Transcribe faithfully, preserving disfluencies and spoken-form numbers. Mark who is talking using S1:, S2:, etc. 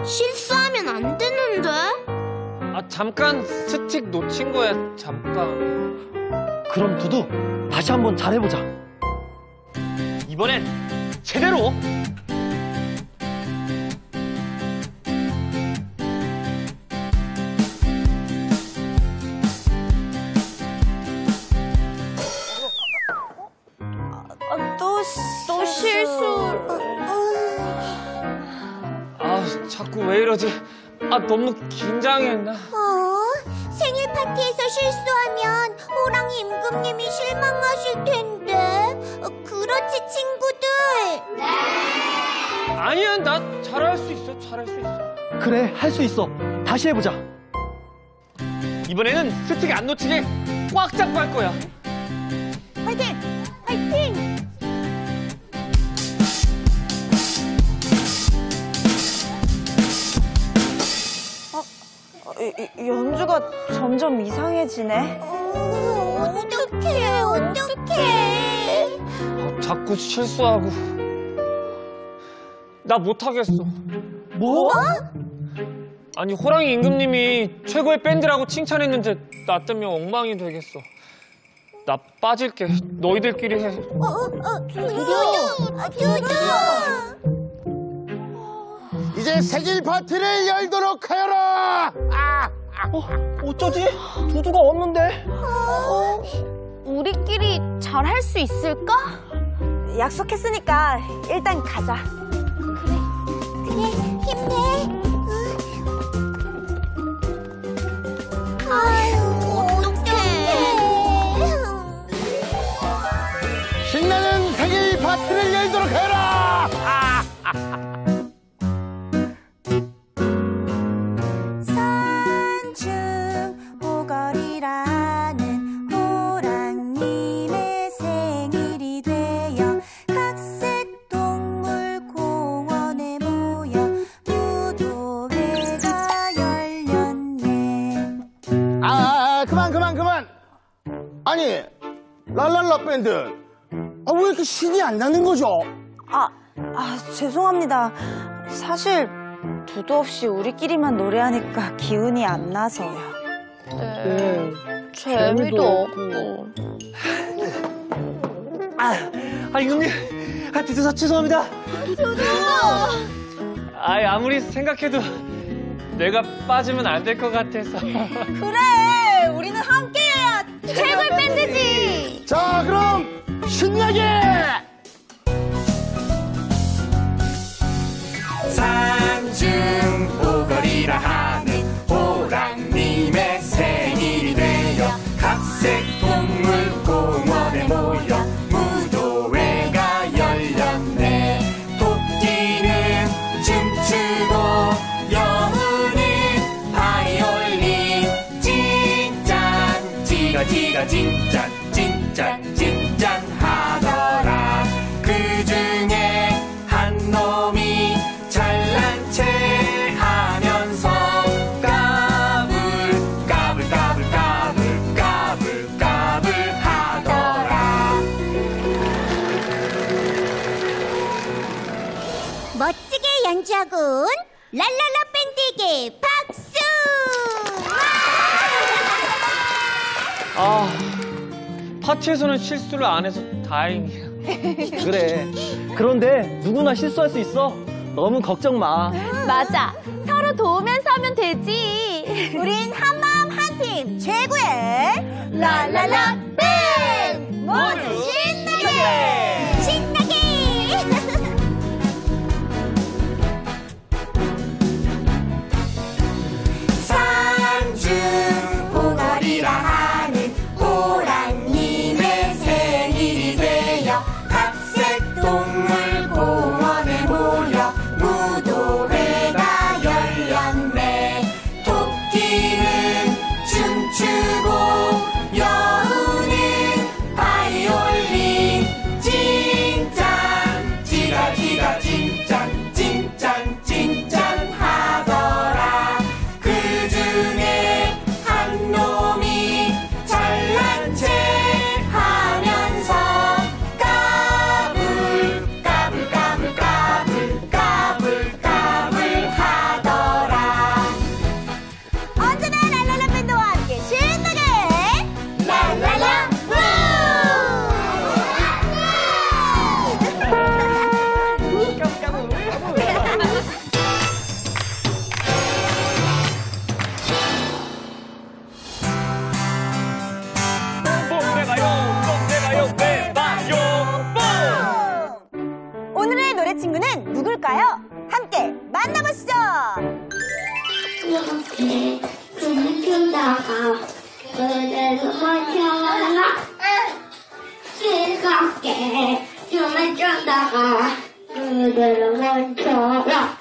S1: 실수하면 안 되는데?
S2: 아, 잠깐 스틱 놓친 거야, 잠깐.
S3: 그럼 두두, 다시 한번 잘해보자.
S2: 이번엔 제대로!
S4: 아, 또, 또 실수.
S2: 아, 자꾸 왜 이러지? 아, 너무 긴장했나?
S1: 어? 생일 파티에서 실수하면 호랑이 임금님이 실망하실 텐데. 어, 그렇지, 친구들? 네!
S2: 아니야, 나 잘할 수 있어, 잘할 수 있어.
S3: 그래, 할 수 있어. 다시 해보자.
S2: 이번에는 스틱 안 놓치게 꽉 잡고 할 거야.
S4: 화이팅! 화이팅! 연주가 점점 이상해지네.
S1: 어, 어떡해, 어떡해.
S2: 아, 자꾸 실수하고. 나 못하겠어.
S3: 뭐?
S2: 아니, 호랑이 임금님이 최고의 밴드라고 칭찬했는데 나 때문에 엉망이 되겠어. 나 빠질게. 너희들끼리 해.
S1: 어, 어, 두두, 아, 두두.
S5: 이제 생일 파티를 열도록 하여라! 아!
S3: 어, 어쩌지? 두두가 없는데?
S1: 어, 우리끼리 잘 할 수 있을까?
S4: 약속했으니까 일단 가자.
S1: 그래, 힘내. 아유, 어떡해.
S5: 신나는 생일 파티를 열도록 하여라! 아!
S4: 산중보거리라는 호랑님의 생일이 되어 각색 동물공원에 모여 무도회가 열렸네.
S5: 아, 그만, 그만, 그만! 아니, 랄랄라 밴드. 아, 왜 이렇게 신이 안 나는 거죠?
S4: 아, 아, 죄송합니다. 사실 두두 없이 우리끼리만 노래하니까 기운이 안 나서요.
S1: 네, 재미도 없고.
S3: 아, 아 임금님, 아, 두두 죄송합니다.
S2: 아이, 아무리 생각해도 내가 빠지면 안 될 것 같아서.
S4: 그래, 우리는 함께해야
S1: 최고의 밴드지.
S5: 자, 그럼 신나게!
S6: 산중보거리라 하는 호랑님의 생일이 되어 각색 동물공원에 모여 무도회가 열렸네. 토끼는 춤추고 여우는 바이올린 찐짠 찌가찌가 찐짠 찐짠 찐짠 하더라. 그중에 한 놈이 잘난 체 하면서 까불 까불 까불 까불 까불 까불 하더라.
S1: 멋지게 연주하군. 랄랄라 밴드에게 박수!
S2: 아, 파티에서는 실수를 안 해서 다행이야.
S3: 그래. 그런데 누구나 실수할 수 있어. 너무 걱정 마.
S1: 맞아. 서로 도우면서 하면 되지.
S4: 우린 한마음 한팀 최고의 랄랄라 밴드! 모두 신나게!
S1: 신나게!
S6: 산중보거리라 하는 호랑님의 생일이 되어 각색 동물공원에 모여 무도회가 열렸네. 토끼는 춤추고 여우는 바이올린 찐
S7: 멈춰라 즐겁게 춤을 추다가 그대로 멈춰라